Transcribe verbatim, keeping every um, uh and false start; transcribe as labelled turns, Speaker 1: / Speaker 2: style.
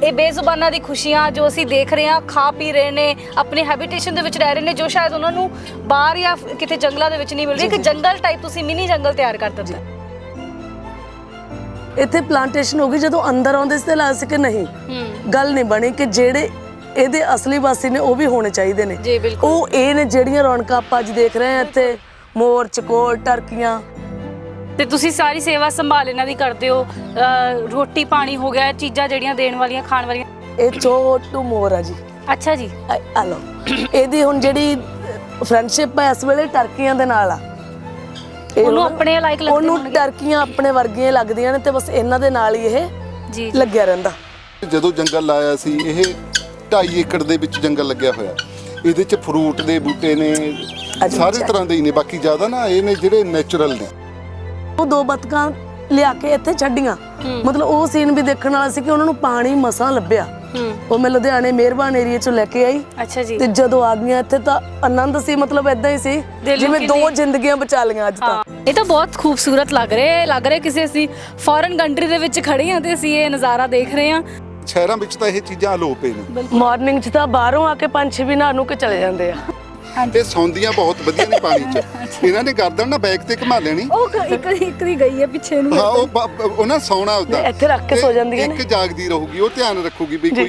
Speaker 1: ਇਹ ਬੇਜ਼ੁਬਾਨਾਂ ਦੀ ਖੁਸ਼ੀਆਂ ਜੋ ਅਸੀਂ ਦੇਖ ਰਹੇ ਹਾਂ, ਖਾ ਪੀ ਰਹੇ ਨੇ, ਆਪਣੇ ਹੈਬਿਟੇਸ਼ਨ ਦੇ ਵਿੱਚ ਰਹਿ ਰਹੇ ਨੇ, ਜੋ ਸ਼ਾਇਦ ਉਹਨਾਂ ਨੂੰ ਬਾਹਰ ਜਾਂ ਕਿਤੇ ਜੰਗਲਾਂ ਦੇ ਵਿੱਚ ਨਹੀਂ ਮਿਲ ਰਹੀ। ਇੱਕ ਜੰਗਲ ਟਾਈਪ ਤੁਸੀਂ ਮਿਨੀ ਜੰਗਲ ਤਿਆਰ ਕਰ ਦਿੱਤਾ।
Speaker 2: ਇੱਥੇ ਪਲਾਂਟੇਸ਼ਨ ਹੋ ਗਈ, ਜਦੋਂ ਅੰਦਰ ਆਉਂਦੇ ਸੀ ਤਾਂ ਲੱਗਦਾ ਸੀ ਕਿ ਨਹੀਂ ਗੱਲ ਨਹੀਂ ਬਣੀ ਕਿ ਜਿਹੜੇ ਇਹਦੇ ਅਸਲੀ ਵਾਸੀ ਨੇ ਉਹ ਵੀ ਹੋਣੇ ਚਾਹੀਦੇ ਨੇ।
Speaker 1: ਜੀ ਬਿਲਕੁਲ।
Speaker 2: ਉਹ ਇਹ ਨੇ ਜਿਹੜੀਆਂ ਰੌਣਕਾਂ ਆਪਾਂ ਅੱਜ ਦੇਖ ਰਹੇ ਹਾਂ ਇੱਥੇ, ਮੋਰ, ਚਕੋਰ, ਟਰਕੀਆਂ।
Speaker 1: ਤੇ ਤੁਸੀਂ ਸਾਰੀ ਸੇਵਾ ਸੰਭਾਲ ਇਹਨਾਂ ਦੀ ਕਰਦੇ ਹੋ, ਰੋਟੀ ਪਾਣੀ ਹੋ ਗਿਆ, ਚੀਜ਼ਾਂ ਜਿਹੜੀਆਂ ਦੇਣ ਵਾਲੀਆਂ, ਖਾਣ ਵਾਲੀਆਂ।
Speaker 2: ਇਹ ਛੋਟੂ ਮੋਰ ਆ ਜੀ।
Speaker 1: ਅੱਛਾ ਜੀ।
Speaker 2: ਆ ਲਓ, ਇਹਦੀ ਹੁਣ ਜਿਹੜੀ ਫਰੈਂਡਸ਼ਿਪ ਹੈ ਇਸ ਵੇਲੇ ਟਰਕੀਆਂ ਦੇ ਨਾਲ ਆ।
Speaker 1: ਉਹਨੂੰ ਆਪਣੇ ਲਾਇਕ ਲੱਗਦੇ
Speaker 2: ਉਹਨੂੰ ਟਰਕੀਆਂ ਆਪਣੇ ਵਰਗੀਆਂ ਲੱਗਦੀਆਂ ਨੇ ਤੇ ਬਸ ਇਹਨਾਂ ਦੇ ਨਾਲ ਹੀ ਇਹ
Speaker 1: ਜੀ
Speaker 2: ਲੱਗਿਆ ਰਹਿੰਦਾ।
Speaker 3: ਜਦੋਂ ਜੰਗਲ ਲਾਇਆ ਸੀ, ਇਹ ਢਾਈ ਏਕੜ ਦੇ ਵਿੱਚ ਜੰਗਲ ਲੱਗਿਆ ਹੋਇਆ। ਇਹਦੇ 'ਚ ਫਰੂਟ ਦੇ ਬੂਟੇ ਨੇ, ਸਾਰੇ ਤਰ੍ਹਾਂ ਦੇ ਹੀ ਨੇ। ਬਾਕੀ ਜ਼ਿਆਦਾ ਨਾ ਇਹ ਨੇ ਜਿਹੜੇ ਨੈਚੁਰਲ ਨੇ।
Speaker 2: ਉਹ ਦੋ ਬਤਕਾਂ ਲਿਆ ਕੇ ਇੱਥੇ ਛੱਡੀਆਂ, ਮਤਲਬ ਉਹ ਸੀਨ ਵੀ ਦੇਖਣ ਵਾਲਾ ਸੀ ਕਿ ਉਹਨਾਂ ਨੂੰ ਪਾਣੀ ਮਸਾਂ ਲੱਭਿਆ। ਉਹ ਮੈਂ ਲੁਧਿਆਣੇ ਮਿਹਰਬਾਨ ਏਰੀਆ ਚੋਂ ਲੈ ਕੇ ਆਈ।
Speaker 1: ਅੱਛਾ ਜੀ।
Speaker 2: ਤੇ ਜਦੋਂ ਆ ਗਈਆਂ ਇੱਥੇ ਤਾਂ ਆਨੰਦ ਸੀ, ਮਤਲਬ ਇਦਾਂ ਹੀ ਸੀ ਜਿਵੇਂ ਦੋ ਜ਼ਿੰਦਗੀਆਂ ਬਚਾ ਲਈਆਂ ਅੱਜ ਤਾਂ।
Speaker 1: ਇਹ ਤਾਂ ਬਹੁਤ ਖੂਬਸੂਰਤ ਲੱਗ ਰਿਹਾ ਲੱਗ ਰਿਹਾ ਕਿਸੇ ਅਸੀਂ ਫੋਰਨ ਕੰਟਰੀ ਦੇ ਵਿੱਚ ਖੜੇ ਹਾਂ ਤੇ ਅਸੀਂ ਇਹ ਨਜ਼ਾਰਾ ਦੇਖ ਰਹੇ ਹਾਂ।
Speaker 3: ਸ਼ਹਿਰਾਂ ਵਿੱਚ ਤਾਂ ਇਹ ਚੀਜ਼ਾਂ ਅਲੋਪ ਨੇ।
Speaker 2: ਮਾਰਨਿੰਗ 'ਚ ਤਾਂ ਬਾਹਰੋਂ ਆ ਕੇ ਪੰਛੀ ਵੀ ਨਹਾ ਨੂੰ ਕੇ ਚਲੇ ਜਾਂਦੇ ਆ।
Speaker 3: ਇਹ ਸੌਂਦੀਆਂ ਬਹੁਤ ਵਧੀਆ ਨੇ ਪਾਣੀ 'ਚ। ਇਹਨਾਂ ਨੇ ਗਰਦਨ ਨਾ ਬੈਕ ਤੇ ਘੁਮਾ ਲੈਣੀ।
Speaker 1: ਉਹ ਇੱਕ ਇੱਕ ਦੀ ਗਈ ਹੈ ਪਿੱਛੇ ਨੂੰ।
Speaker 3: ਹਾਂ, ਉਹ ਉਹਨਾਂ ਸੌਣਾ ਉਦਾਂ
Speaker 2: ਇੱਥੇ ਰੱਖ ਕੇ ਸੋ ਜਾਂਦੀਆਂ ਨੇ।
Speaker 3: ਇੱਕ ਜਾਗਦੀ ਰਹੂਗੀ, ਉਹ ਧਿਆਨ ਰੱਖੂਗੀ ਵੀ ਕੋਈ